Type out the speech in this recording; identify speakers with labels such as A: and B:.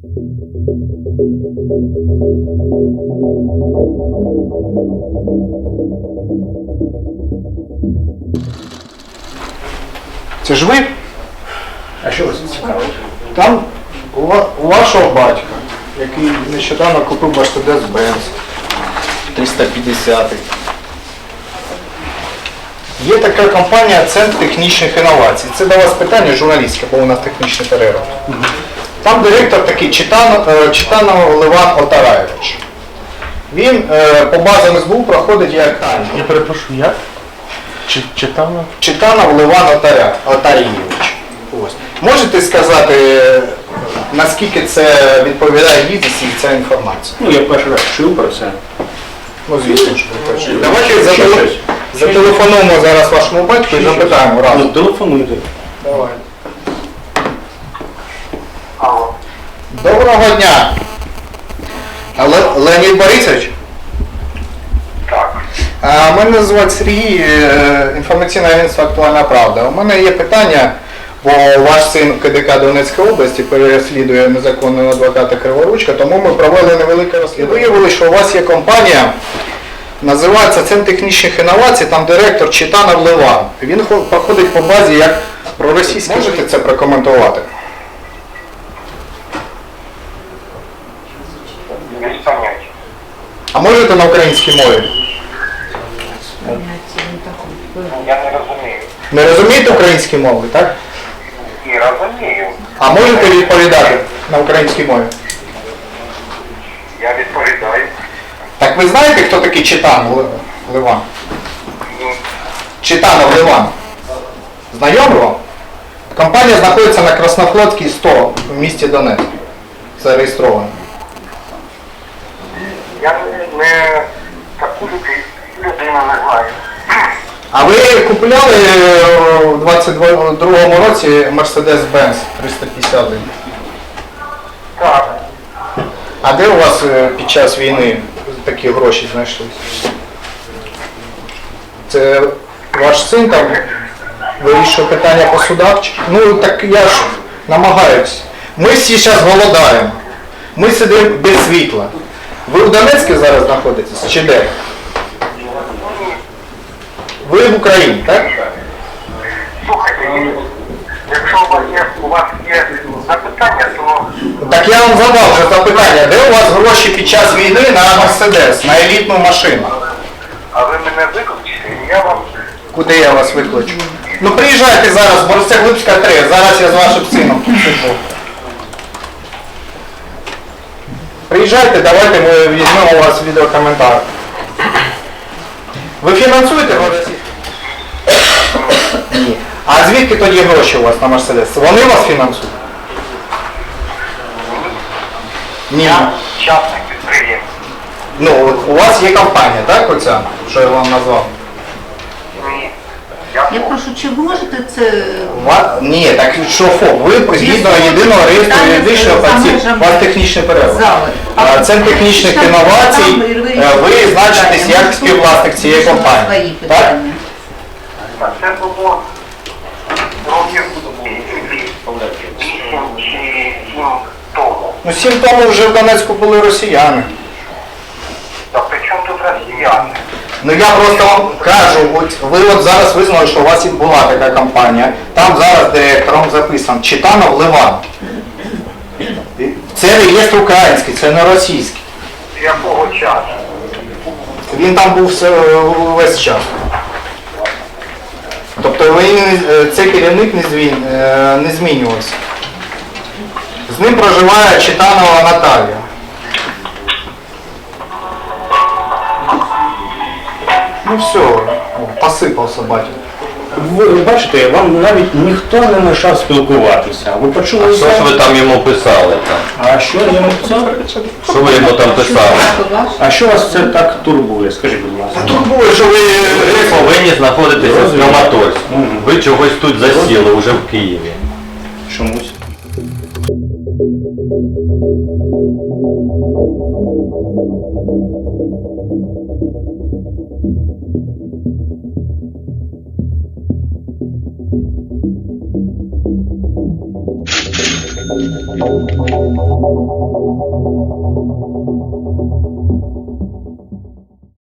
A: Це ж ви?
B: А що вас цікавить?
A: Там у вашого батька, який нещодавно купив Mercedes-Benz 350. Є така компанія Центр технічних інновацій. Це до вас питання журналістське, бо у нас технічний перерив. Там директор такий Читанов Леван Отараєвич. Він по базам СБУ проходить як...
B: Я перепрошую, як? Читанов?
A: Читанов Леван Отарійович. Ось. Можете сказати, наскільки це відповідає дійсності ця інформація?
B: Ну, я перший раз чув про це.
A: Ну, звісно ж, ви перший. Давайте зателефонуємо зараз вашому батьку і запитаємо разом.
B: Ну, телефонуйте.
A: Давай. Доброго дня. Леонід Борисович?
C: Так.
A: Мене звати Сергій, інформаційне агентство «Актуальна правда». У мене є питання, бо ваш син КДК Донецької області переслідує незаконного адвоката Криворучка, тому ми провели невелике розслідування. Виявили, що у вас є компанія, називається Центр технічних інновацій, там директор Читанов Леван. Він проходить по базі як проросійський. Можете це прокоментувати?
C: Без поняття.
A: А можете на українській мові?
C: Я не розумію.
A: Не розумієте українські мови, так?
C: І розумію.
A: А можете відповідати на українській мові?
C: Я відповідаю.
A: Так ви знаєте, хто такий Читанов Леван? Читанов Леван. Знайомий вам? Компанія знаходиться на Краснофлотській 100 в місті Донецьк. Зареєстрована.
C: Я не таку людину не знаю.
A: А ви купували у 22-му році Mercedes-Benz 351?
C: Так.
A: А де у вас під час війни такі гроші знайшлися? Це ваш син там вирішує питання по судах? Ну так я ж намагаюсь. Ми всі зараз голодаємо. Ми сидимо без світла. Ви в Донецьку зараз знаходитесь чи де? Ви в Україні, так?
C: Слухайте, якщо у вас є запитання, то...
A: Так я вам задав вже запитання, де у вас гроші під час війни на Mercedes, на елітну машину?
C: А ви мене виключите, і я вам...
A: Куди я вас викличу? Ну приїжджайте зараз, Борисоглибська 3, зараз я з вашим сином тут сиджу. Приїжджайте, давайте ми візьмемо у вас відеокоментар. Ви фінансуєте гроші? Ні. А звідки тоді гроші у вас на Mercedes? Вони вас фінансують? Ні.
C: Я частний підприємець.
A: Ну, от у вас є компанія, так, оця, що я вам назвав?
C: Ні.
D: Я прошу, чи ви можете це...
A: Ні, так що ФОП, ви згідно єдиного реєстру юридичного осіб, у вас технічний перерив. Центр технічних інновацій, ви значитесь як співвласник цієї компанії. Так?
C: Це було років 8 чи 7 тому.
A: Ну 7 тому вже в Донецьку були росіяни.
C: Та при чому тут росіяни?
A: Ну я просто вам кажу, от ви от зараз визнали, що у вас і була така компанія. Там зараз директором записано Читанов Леван. Це реєстр український, це не російський.
C: З якого часу?
A: Він там був весь час. Тобто цей керівник не змінювався. З ним проживає Читанова Наталія. Ну все, посипався батько.
B: Ви бачите, вам навіть ніхто не мешав спілкуватися. Ви почули?
E: Що ж ви там йому писали там?
B: А що я йому писав?
E: Що ви йому там писали?
B: А що вас це так турбує? Скажіть, будь ласка.
A: Турбує, що ви...
E: Ви повинні знаходитися в Краматорську. Ви чогось тут засіли, вже в Києві.
B: Чомусь.